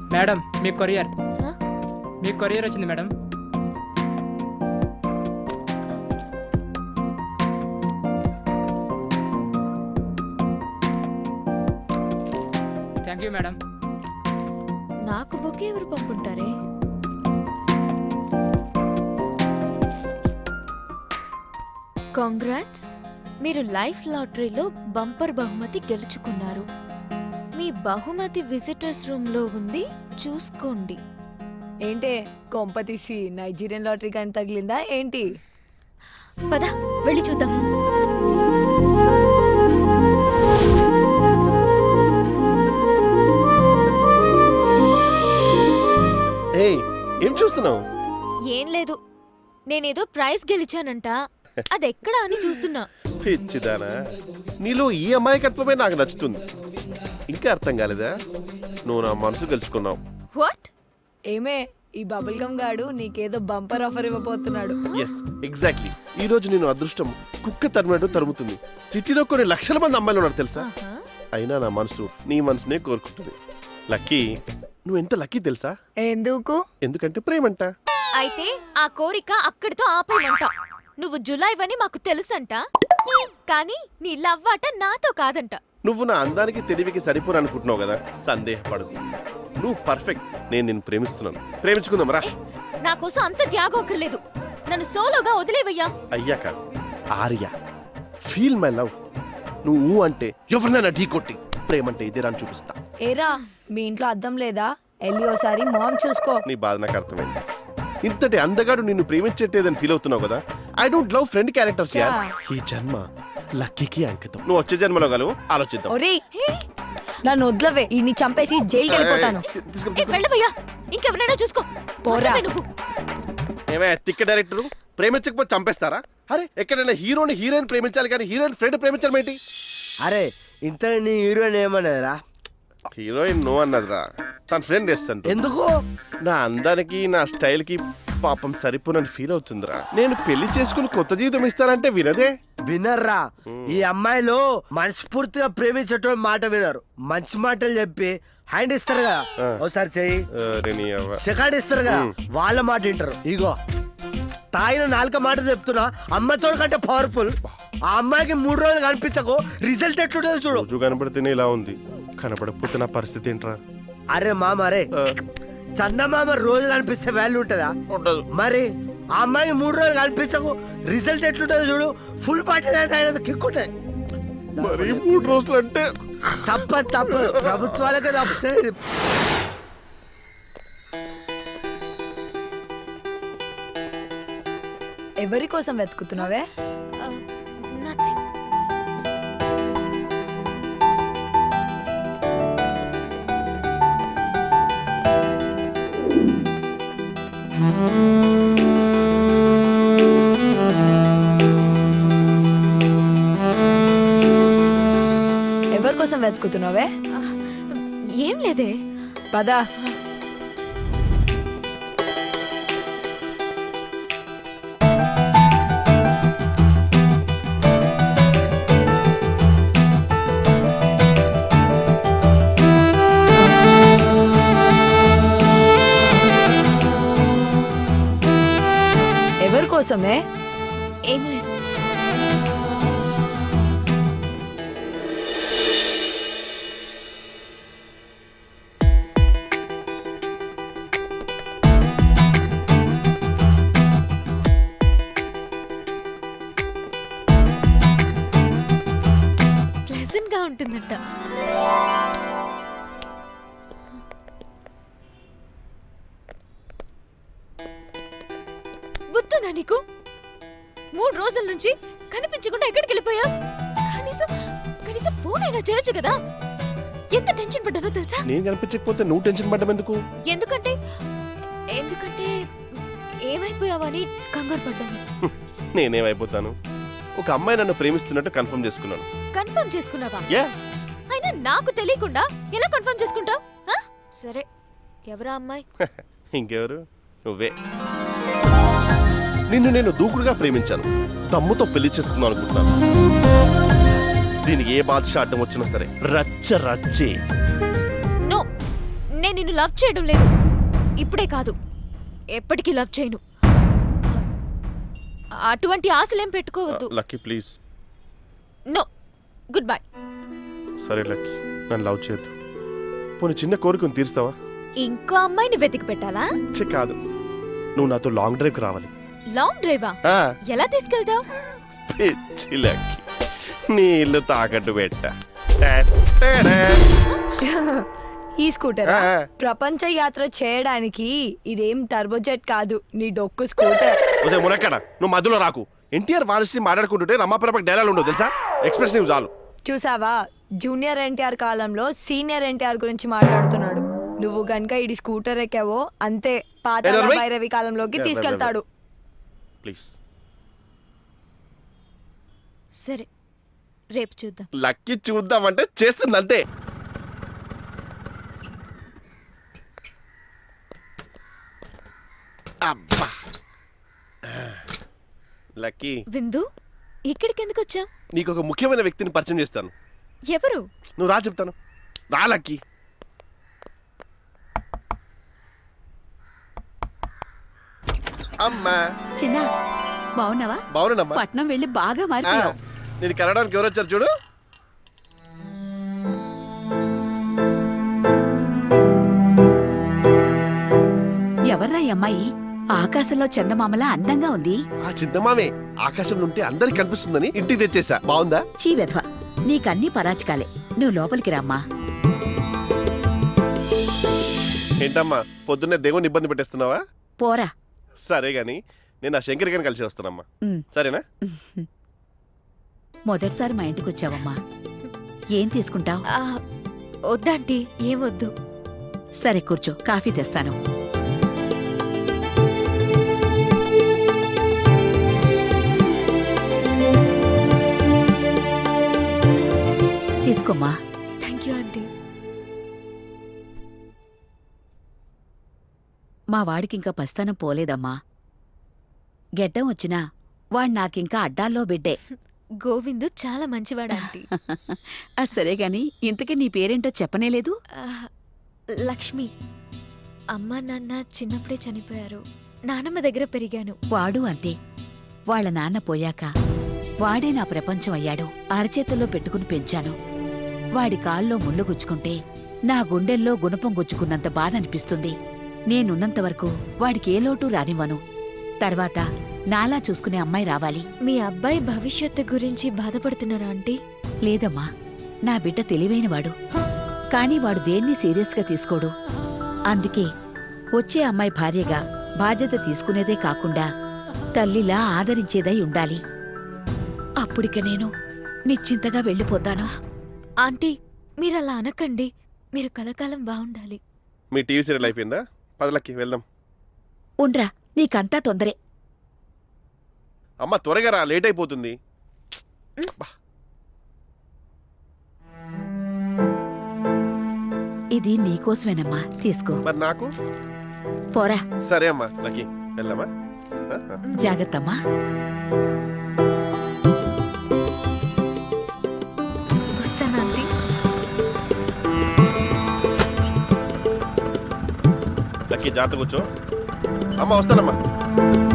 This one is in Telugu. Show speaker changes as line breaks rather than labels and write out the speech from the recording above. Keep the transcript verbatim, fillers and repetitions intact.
మేడం మీ కొరియర్ మీ కొరియర్ వచ్చింది మేడం. Thank you madam.
నాకు బొకే ఎవరు పంపుంటారే? కాంగ్రాట్స్, మీరు లైఫ్ లాటరీలో బంపర్ బహుమతి గెలుచుకున్నారు. మీ బహుమతి విజిటర్స్ రూమ్ లో ఉంది, చూసుకోండి.
ఏంటే కొంప తీసి నైజీరియన్ లాటరీ కానీ తగిలిందా ఏంటి?
పద వెళ్ళి చూద్దాం.
ఏం చూస్తున్నావు?
ఏం లేదు, నేనేదో ప్రైజ్ గెలిచానంట, అదెక్కడా అని చూస్తున్నా.
పిచ్చిదానా, నీలో ఈ అమాయకత్వమే నాకు నచ్చుతుంది. ఇంకా అర్థం కాలేదా? నువ్వు నా మనసు గెలుచుకున్నావు.
వాట్?
ఏమే, ఈ బబుల్ గమ్ గాడు నీకేదో బంపర్ ఆఫర్ ఇవ్వబోతున్నాడు.
Yes exactly. ఈ రోజు నేను అదృష్టం కుక్క తరిమినట్టు తరుముతుంది. సిటీలో కొన్ని లక్షల మంది అమ్మాయిలు ఉన్నారు తెలుసా, అయినా నా మనసు నీ మనసునే కోరుకుంటుంది. లక్కీ, నువ్వు ఎంత లక్కీ తెలుసా?
ఎందుకు?
ఎందుకంటే ప్రేమంట.
అయితే ఆ కోరిక అక్కడితో ఆపేయమంట. నువ్వు జులైవని మాకు తెలుసంట, కానీ నీ లవ్వాట నాతో కాదంట.
నువ్వు నా అందానికి తెలివికి సరిపోను అనుకుంటున్నావు కదా, సందేహపడదు. నువ్వు పర్ఫెక్ట్. నేను నిన్ను ప్రేమిస్తున్నాను. ప్రేమించుకుందాం రా.
నా కోసం అంత త్యాగం అక్కర్లేదు, నన్ను సోలోగా వదిలేవయ్యా.
అయ్యాక ఆర్య, ఫీల్ మై లవ్. నువ్వు అంటే ఎవరినైనా ఢీ కొట్టి ప్రేమంటే ఇదే రాని చూపిస్తా.
ఏరా, మీ ఇంట్లో అద్దం లేదా? వెళ్ళి ఓసారి మొహం చూసుకో.
నీ బాధ నాకు అర్థమైంది. ఇంతటి అందగాడు నిన్ను ప్రేమించట్లేదని ఫీల్ అవుతున్నావు కదా. I don't love friend characters యార్. ఈ జన్మ లక్కీకి అంకితం. నువ్వు వచ్చే జన్మలో గలవు, ఆలోచిద్దాం.
ఒరేయ్, నన్ను వదిలవే, ఈ చంపేసి జైలుకి వెళ్ళిపోతాను.
వెళ్ళవయ్యా, ఇంకెవరైనా చూసుకో.
పోరా.
నువ్వు
ఏమే తిక్క డైరెక్టర్, ప్రేమించకపోతే చంపేస్తారా? అరే, ఎక్కడైనా హీరోని హీరోయిన్ ప్రేమించాలి కానీ హీరోయిన్ ఫ్రెండ్ ప్రేమించడం ఏంటి?
అరే, ఇంత నీ హీరోయిన్ ఏమన్నారా?
హీరోయిన్ నో అన్నదిరా, తన ఫ్రెండ్ వేస్తాను.
ఎందుకు?
నా అందానికి నా స్టైల్ కి పాపం సరిపోనని ఫీల్ అవుతుందిరా. నేను పెళ్లి చేసుకుని కొత్త జీవితం ఇస్తానంటే వినదే.
వినర్రా, ఈ అమ్మాయిలు మనస్ఫూర్తిగా ప్రేమించటం మాట వినరు. మంచి మాటలు చెప్పి హ్యాండ్ ఇస్తారు కదా, ఒకసారి చెయ్యి సెకండ్ ఇస్తారు కదా, వాళ్ళ మాట వింటారు. ఇగో తాగిన నాలుక మాట చెప్తున్నా, అమ్మాయితో కంటే పవర్ఫుల్. ఆ అమ్మాయికి మూడు రోజులు కనిపించకు, రిజల్ట్ ఎట్లుంటుంది చూడు.
రోజు కనపడితేనే ఇలా ఉంది, కనపడకపోతే నా పరిస్థితి ఏంట్రా?
అరే మామ, అరే చందమామ రోజు కనిపిస్తే వాల్యూ ఉంటుందా?
ఉండదు.
మరి ఆ అమ్మాయికి మూడు రోజులు కనిపించకు, రిజల్ట్ ఎట్లుంటుంది చూడు. ఫుల్ పార్టీ కిక్కుంటాయి.
మరి మూడు రోజులు అంటే
తప్ప తప్ప ప్రభుత్వాలకే తప్పుతుంది.
ఎవరి కోసం వెతుకుతున్నావే? ఎవరి కోసం వెతుకుతున్నావే?
ఏం లేదే,
పదా. ఎవరి కోసమే?
ఏం లేదు. ప్లెజెంట్ గా ఉంటుందంట. గుర్తుందా నీకు? మూడు రోజుల నుంచి కనిపించకుండా ఎక్కడికి వెళ్ళిపోయా? కనీసం కనీసం ఫోన్ అయినా చేయొచ్చు కదా. ఎంత టెన్షన్ పడ్డానో తెలుసా?
నేను కనిపించకపోతే నువ్వు టెన్షన్ పడ్డం ఎందుకు?
ఎందుకంటే ఎందుకంటే ఏమైపోయావని కంగారు పడ్డాను.
నేనేమైపోతాను? ఒక అమ్మాయి నన్ను ప్రేమిస్తున్నట్టు కన్ఫర్మ్ చేసుకున్నాను.
కన్ఫర్మ్ చేసుకున్నావా?
యా.
అయినా నాకు తెలియకుండా ఎలా కన్ఫర్మ్ చేసుకుంటావు? సరే, ఎవరా అమ్మాయి?
ఇంకెవరు, నువ్వే. నిన్ను నేను దూకుడుగా ప్రేమించాను, దమ్ముతో పెళ్లి చేసుకుందాం అనుకుంటున్నాను. దీనికి ఏ బాద్షా అడ్డం వచ్చినా సరే రచ్చ రచ్చే.
నో, నేను నిన్ను లవ్ చేయడం లేదు. ఇప్పుడే కాదు, ఎప్పటికీ లవ్ చేయను. అటువంటి ఆశలేం పెట్టుకోవద్దు.
Lucky please.
No, goodbye.
సరే లక్కీ, నన్ను లవ్ చేయొద్దు. పోనీ చిన్న కోరికను తీరుస్తావా?
ఇంకో అమ్మాయిని వెతికి పెట్టాలా?
ఛే, కాదు, నువ్వు నాతో లాంగ్ డ్రైవ్ కి రావాలి.
లాంగ్ డ్రైవా?
ఆ,
ఎలా తీసుకెళ్తావు?
పిచ్చి లక్కీ, నీ ఇల్లు తాకట్టు పెట్ట.
ఈ స్కూటర్
ఆ, ఆ.
ప్రపంచ యాత్ర చేయడానికి ఇదేం టర్బోజెట్ కాదు, నీ డొక్కు స్కూటర్.
ఒసే మునక్కడ, నువ్వు మధ్యలో రాకు. ఎన్టీఆర్ వారసి మాట్లాడుకుంటుంటే రమాప్రభకు డైలాగ్ ఉండవు తెలుసా? ఎక్స్ప్రెస్ నీవు చాలు.
చూసావా, జూనియర్ ఎన్టీఆర్ కాలంలో సీనియర్ ఎన్టీఆర్ గురించి మాట్లాడుతున్నాడు. నువ్వు గనుక ఇది స్కూటర్ ఎక్కావో అంతే, పాత
ఏ నర్మయ్?
భైరవి కాలంలోకి
ఏ,
తీసుకెళ్తాడు.
ప్లీజ్.
సరే, రేపు చూద్దాం.
లక్కీ చూద్దామంటే చేస్తుంది అంతే. అబ్బా లక్కీ,
విందు, ఇక్కడికి ఎందుకు వచ్చావు?
నీకు ఒక ముఖ్యమైన వ్యక్తిని పరిచయం చేస్తాను.
ఎవరు?
నువ్వు రా, చెప్తాను. రా లక్కీ. అమ్మా.
చిన్న బావున్నావా?
బాగున్నానమ్మా.
పట్నం వెళ్ళి బాగా
ఆ,
మారిపోయావు.
నేను కలవడానికి ఎవరు వచ్చారు చూడు.
ఎవర్రా ఈ అమ్మాయి? ఆకాశంలో చందమామలా అందంగా ఉంది.
ఆ చింతమామే ఆకాశంలో ఉంటే అందరికి కనిపిస్తుందని ఇంటికి తెచ్చేసా. బాగుందా?
చీ వెధవ, నీకన్నీ పరాచికాలే. నువ్వు లోపలికి రామ్మా.
ఏంటమ్మా పొద్దున్నే దేవుని ఇబ్బంది పెట్టేస్తున్నావా?
పోరా.
సరే గాని నేను ఆ శంకర్ గారిని కలిసి వస్తానమ్మా.
ఉమ్.
సరేనా?
మొదటిసారి మా ఇంటికి వచ్చావమ్మా. ఏం తీసుకుంటావు?
ఆ, వద్దాంటీ, ఏం వద్దు.
సరే కూర్చో, కాఫీ తెస్తాను. తీసుకోమ్మా.
Thank you aunty.
మా వాడికింకా పస్తానం పోలేదమ్మా. గెడ్డం వచ్చినా వాడు నాకింకా అడ్డాల్లో బిడ్డే.
గోవిందు చాలా మంచివాడు ఆంటీ.
అది సరే గాని ఇంతకీ నీ పేరేంటో చెప్పనేలేదు?
ఆ, లక్ష్మి. అమ్మా నాన్న చిన్నప్పుడే చనిపోయారు. నానమ్మ దగ్గర పెరిగాను.
వాడు అంతే. వాళ్ళ నాన్న పోయాక వాడే నా ప్రపంచం అయ్యాడు. అరచేతుల్లో పెట్టుకుని పెంచాను. వాడి కాల్లో ముళ్ళు గుచ్చుకుంటే నా గుండెల్లో గుణపం గుచ్చుకున్నంత బాధ అనిపిస్తుంది. నేనున్నంతవరకు వాడికి ఏ లోటు రానివ్వను. తర్వాత నాలా చూసుకునే అమ్మాయి రావాలి.
మీ అబ్బాయి భవిష్యత్తు గురించి బాధపడుతున్నారా ఆంటీ?
లేదమ్మా, నా బిడ్డ తెలివైనవాడు. కాని వాడు దేన్ని సీరియస్గా తీసుకోడు. అందుకే వచ్చే అమ్మాయి భార్యగా బాధ్యత తీసుకునేదే కాకుండా తల్లిలా ఆదరించేదై ఉండాలి. అప్పుడిక నేను నిశ్చింతగా వెళ్ళిపోతాను.
ఆంటీ, మీరలా అనకండి. మీరు కలకాలం బాగుండాలి.
మీ టీవీ సీరియల్ అయిపోయిందా? పదలకి వెళ్దాం.
ఉండ్రా, నీకంతా తొందరే.
అమ్మ త్వరగా రా, లేట్ అయిపోతుంది. అబ్బా.
ఇది నీకోసమేనమ్మా, తీసుకో.
మరి నాకు?
పోరా.
సరే అమ్మా లక్కీ, వెళ్దామా?
జాగ్రత్తమ్మా.
వస్తాను ఆంటీ.
లక్కీ జాగ్రత్త కూర్చో. అమ్మ వస్తానమ్మా.